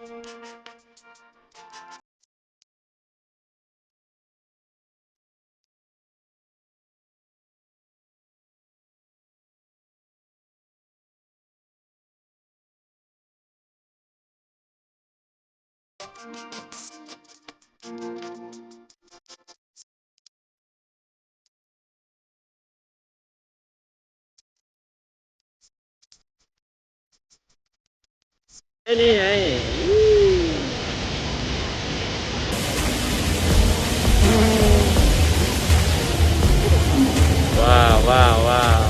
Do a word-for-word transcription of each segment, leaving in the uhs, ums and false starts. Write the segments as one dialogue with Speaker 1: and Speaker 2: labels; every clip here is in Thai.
Speaker 1: ไอ้นี่ไงว้าวว้าวว้าว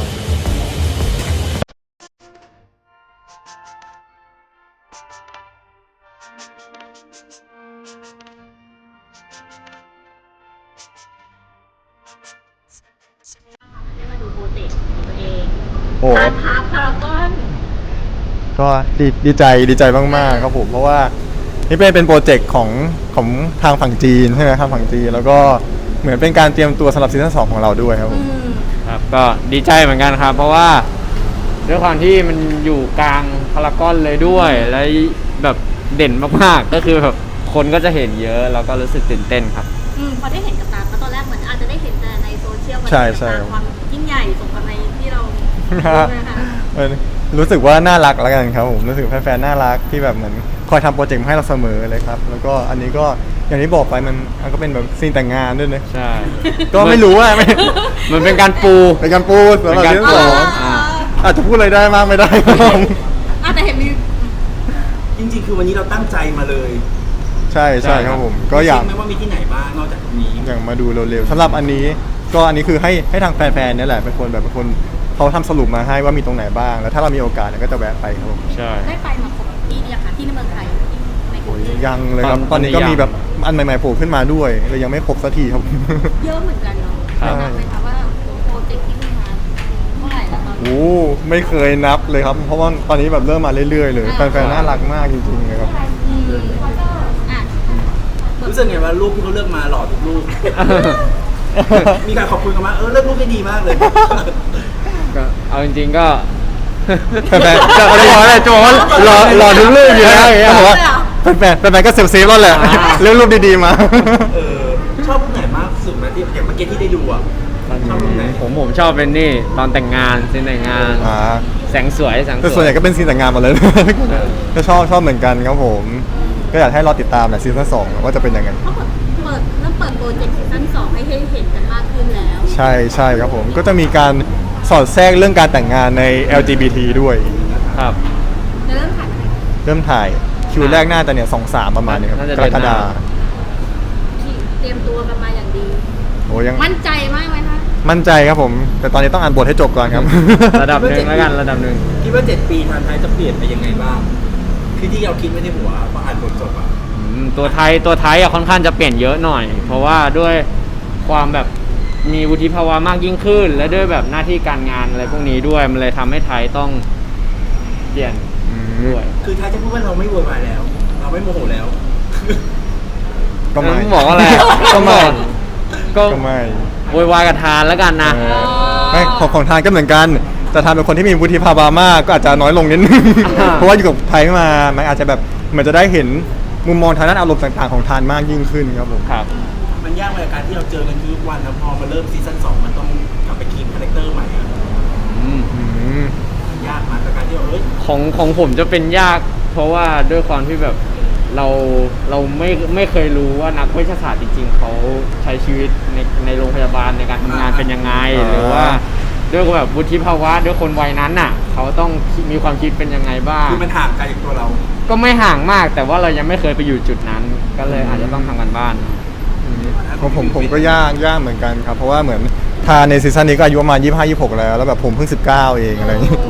Speaker 2: มาดูโปรเจกต์ตัวเอง
Speaker 3: โอ้
Speaker 2: พาร์ทพาร์ทพารากอน
Speaker 3: ก็ดีดีใจดีใจมากๆครับผมเพราะว่านี่เป็นเป็นโปรเจกต์ของของทางฝั่งจีนใช่ไหมครับฝั่งจีนแล้วก็เหมือนเป็นการเตรียมตัวสำหรับซีซั่นสองของเราด้วยครับผม
Speaker 1: ครับก็ดีใจเหมือนกันครับ เพราะว่าด้วยความที่มันอยู่กลางพารากอนเลยด้วย และแบบเด่นมากๆก็คือแบบคนก็จะเห็นเยอะแล้วก็รู้สึกตื่นเต้นครับ
Speaker 2: อืมพอได้เห็นกับตาเพราะตอนแรกเหมือนอาจจะได้เห็นแต่ในโซเชียลมัน
Speaker 3: ใช่ใช่
Speaker 2: เป็นความยิ่งใหญ่สมกับในที่เราดูนะคะ
Speaker 3: เออรู้สึกว่าน่ารักแล้วกันครับผมรู้สึกแฟนๆน่ารักที่แบบเหมือนคอยทำโปรเจกต์มาให้เราเสมอเลยครับแล้วก็อันนี้ก็อย่างที่บอกไปมันมันก็เป็นแบบซีนแต่งงานด้วยนะ
Speaker 1: ใช่
Speaker 3: ก็ไม่รู้ว่าไม่
Speaker 1: มันเป็นการปู
Speaker 3: เป็นการพูดสำหรับซีซั่นสอง
Speaker 1: อ่า
Speaker 3: อาจจะพูดอะไรได้มากไม่ได้ครับผม
Speaker 2: อ่ะแต่เห็นมี
Speaker 4: จริงๆ คือวันนี้เราตั้งใจมาเลย
Speaker 3: ใช่ใช่ครับผมก็อยาก
Speaker 4: คิดไหมว่ามีที่ไหนบ้างนอกจากตรงนี้
Speaker 3: อยากมาดูเร็วๆสำหรับอันนี้ก็อันนี้คือให้ให้ทางแฟนๆเนี่ยแหละเป็นคนแบบเป็นคนเขาทำสรุปมาให้ว่ามีตรงไหนบ้าง แล้วถ้าเรามีโอกาสเนี่ยก็จะแวะไปครับผม
Speaker 1: ใช่
Speaker 2: ได้ไปมาครบที่เนี่ยค่ะที่ในเมืองไทยในกรุ
Speaker 3: โอ้
Speaker 2: ง
Speaker 3: ย
Speaker 2: เทพ
Speaker 3: ยังเลยครับ
Speaker 1: ตอน
Speaker 3: ตอนนี้ก็
Speaker 1: ตอนนี้
Speaker 3: มี
Speaker 1: ยัง
Speaker 3: แบบอันใหม่ๆโผล่ขึ้นมาด้วยเลยยังไม่ครบสักทีครับ
Speaker 2: เยอะเหมือนกันเนาะ
Speaker 1: ครับ
Speaker 2: นับไหมคะว่าโปรเจกต์ที่เพิ่งมาเท่าไหร่แล้วตอนนี้
Speaker 3: โอ้ไม่เคยนับเลยครับ เพราะว่าตอนนี้แบบเริ่มมาเรื่อยๆเลยแฟนๆน่ารักมากจริงๆเลยครับ
Speaker 2: อืมอ่ะ
Speaker 4: รู้สึกไงว่ารูปที่เขาเลือกมาหล่อทุกรูป มีการขอบคุณกันมาเออเลือกรูปได้ดีมากเลย
Speaker 1: ก็เอาจริงๆก็
Speaker 3: แฟนๆ
Speaker 1: จะอะไรวะเนี่ยจะบอกว่ารอรอทุกเรื่องอยู่แล้วอย่างเงี้ย
Speaker 3: เขาบอกว่าแฟนๆแฟนๆก็เซฟเซฟแล้วแหละ
Speaker 1: อ่า
Speaker 3: เรื่องรูปดีๆมา
Speaker 4: เออชอบรูปไหนมากสุดนะที่อย่างเมื่อกี้ที่ได้ดูอ่ะชอบรูปไหน
Speaker 1: ผมผมชอบเป็นนี่ตอนแต่งงานซีนแต่งงาน
Speaker 3: อ่า
Speaker 1: แสงสวยแสง
Speaker 3: แต่
Speaker 1: ส
Speaker 3: ส่ว
Speaker 1: วน ย
Speaker 3: ใหญ่ก็เป็นซีนแต่งงานหมดเลย ก็ชอบชอบเหมือนกันครับผม ก็อยากให้รอติดตามแหละซีซั่นสองว่าจะเป็นยังไง
Speaker 2: เขาเปิดเปิดเริ่มเปิดโปรเจกต์ซีซั่นสองให้ให้เห็นกันมากขึ้นแล้ว
Speaker 3: ใช่ใช่ครับผม ก็จะมีการสอดแทรกเรื่องการแต่งงานใน แอล จี บี ที ด้วย
Speaker 1: ครับ
Speaker 2: จะเริ่มถ่ายเมื่อไหร่
Speaker 3: เริ่มถ่ายคิวแรกน่าจะเนี่ยสองสามประมาณนี้ครับ
Speaker 1: น่าจะ
Speaker 3: ก
Speaker 1: เดื
Speaker 3: ร
Speaker 1: อน
Speaker 3: ก
Speaker 1: หน้า
Speaker 3: ฎา
Speaker 2: ที่เตรียมตัวกันมาอย่างดี
Speaker 3: โอ้ยัง
Speaker 2: มั่นใจมากไหมคะ
Speaker 3: มั่นใจครับผม แต่ตอนนี้ต้องอ่านบทให้จบก่อนครับ
Speaker 1: ระดับหนึ่งแล้วกันระดับหนึ่ง
Speaker 4: คิดว่าเจ็ดปีทางไทยจะเปลี่ยนไปยังไงบ้าง คือที่เราคิดไม่ได้หัวพออ่านบทจบอ่ะ
Speaker 1: อืมตัวไทยตัวไทยอะค่อนข้างจะเปลี่ยนเยอะหน่อย เพราะว่าด้วยความแบบมีวุฒิภาวะมากยิ่งขึ้น และด้วยแบบหน้าที่การงานอะไรพวกนี้ด้วยมันเลยทำให้ไทยต้องเปลี่ยน
Speaker 3: อืม
Speaker 1: ด้วย
Speaker 4: คือไทยจะพูดว่าเราไม่โวยวายแล้ว เราไม่โมโหแล้ว
Speaker 3: ก็ไม่
Speaker 1: ต้องบอกอะไร
Speaker 3: ก็ไม่
Speaker 1: ก็
Speaker 3: ก็ไม่
Speaker 1: โวยวายกับทานแล้วกันนะ
Speaker 3: เออไม่ของของทานก็เหมือนกัน แต่ทานเป็นคนที่มีวุฒิภาวะมากก็อาจจะน้อยลงนิดนึง
Speaker 1: อ่า
Speaker 3: เพราะว่าอยู่กับไทยมา มันอาจจะแบบเหมือนจะได้เห็นมุมมองทางด้านอารมณ์ต่างๆของทานมากยิ่งขึ้นครับผม
Speaker 1: ครับ
Speaker 4: มันยากในการที่เราเจอกันทุกวันแล้วพอมาเริ่มซีซั่นสองมันต้องกลับไปคีปคาแรคเตอร์ใหม่อะ
Speaker 1: อืม
Speaker 3: อืม
Speaker 4: มันยากมากกับการที่เราเอ้ย
Speaker 1: ของของผมจะเป็นยาก เพราะว่าด้วยความที่แบบเราเราไม่ไม่เคยรู้ว่านักเวชศาสตร์จริงๆเขาใช้ชีวิตในในโรงพยาบาลในการทำงานเป็นยังไง
Speaker 3: อ่า
Speaker 1: หรือว่าด้วยแบบวุฒิภาวะด้วยคนวัยนั้นน่ะ เขาต้องมีความคิดเป็นยังไงบ้าง
Speaker 4: คือมันห่างไกลจากตัวเรา
Speaker 1: ก็ไม่ห่างมาก แต่ว่าเรายังไม่เคยไปอยู่จุดนั้น ก็เลยอาจจะต้องทำกันบ้าน
Speaker 3: ของผมผมก็ยากยากเหมือนกันครับ เพราะว่าเหมือนทานในซีซั่นนี้ก็อายุประมาณยี่สิบห้า ยี่สิบหกแล้ว แล้วแบบผมเพิ่งสิบเก้าเองอะไรอย่างงี้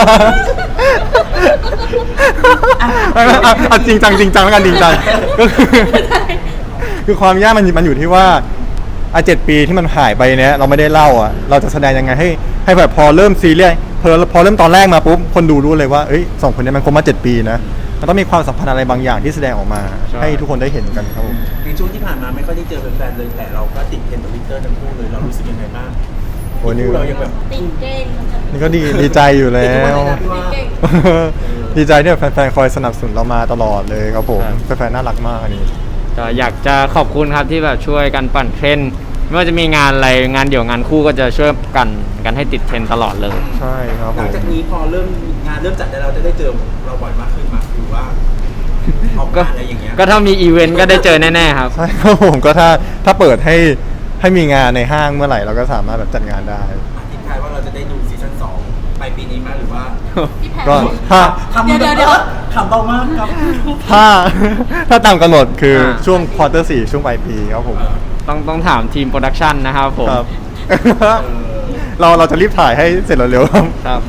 Speaker 3: เอาเอาเอาจริงจังจริงจังแล้วกันจริงจังก็คือคือความยากมันมันอยู่ที่ว่าอ่ะเจ็ดปีที่มันหายไปเนี้ยเราไม่ได้เล่าอ่ะเราจะแสดงยังไงให้ให้แบบพอเริ่มซีเรียสพอพอเริ่มตอนแรกมาปุ๊บคนดูรู้เลยว่าเอ้ยสองคนเนี้ยมันคบมาเจ็ดปีนะมันต้องมีความสัมพันธ์อะไรบางอย่างที่แสดงออกมา
Speaker 1: ใช่
Speaker 3: ให้ทุกคนได้เห็นกันครับผม
Speaker 4: ในช่วงที่ผ่านมาไม่ค่อยได้เจอแฟนๆเลยแต่เราก็ติดเทรนด์ทวิตเตอร์ทั้งคู่เลยเรารู้สึกยังไงบ้าง
Speaker 3: โอ้นี่
Speaker 4: คู่เรายังแบบ
Speaker 2: ติดเก่ง
Speaker 3: นี่ก็ดีดีใจอยู่แล้ว
Speaker 4: ติดทุกวันเลยนะพี่ว่า
Speaker 2: เก่ง
Speaker 4: เออ
Speaker 3: ดีใจที่แบบแฟนๆคอยสนับสนุนเรามาตลอดเลยครับผม
Speaker 1: ครับ
Speaker 3: แฟนๆน่ารักมากอันนี้
Speaker 1: ก็อยากจะขอบคุณครับที่แบบช่วยกันปั่นเทรนด์ไม่ว่าจะมีงานอะไรงานเดี่ยวงานคู่ก็จะช่วยกันกันให้ติดเทรนด์ตลอดเลย
Speaker 3: ใช่ครับ
Speaker 4: ห
Speaker 3: ผ
Speaker 4: ลัง
Speaker 3: ม
Speaker 4: จากนี้พอเริ่มงานเริ่มจัดได้เราจะได้เจอเราบ่อยมากขึ้นมาหรือว่าออก
Speaker 1: ก็
Speaker 4: งานอะไรอย่างเงี้ย
Speaker 1: ก็ถ้ามีอีเวนต์ก็ได้เจอแน่ๆครับ
Speaker 3: ใช่ครับผมก็ถ้าถ้าเปิดให้ให้มีงานในห้างเมื่อไหร่เราก็สามารถแบบจัดงานได้
Speaker 4: อธิบายว่าเราจะได้ดูซีซั่นสองปลายปีนี้ไหมหรือว่า
Speaker 2: พี่แพร
Speaker 3: ก็ถ้า
Speaker 4: คำ
Speaker 2: เดี๋ยวเดี๋ยวเดี๋ยว
Speaker 4: คำเบามากครับ
Speaker 3: ถ้าถ้าตามกำหนดคืออา ช่วง
Speaker 1: ช่วง
Speaker 3: ควอเตอร์สี่ช่วงปลายปีครับผม
Speaker 4: เออ
Speaker 1: ต้องต้องถามทีมโปรดักชันนะครับผม
Speaker 3: ครับ
Speaker 4: เออ
Speaker 3: เราเราจะรีบถ่ายให้เสร็จเร็วๆครับ
Speaker 1: ครับ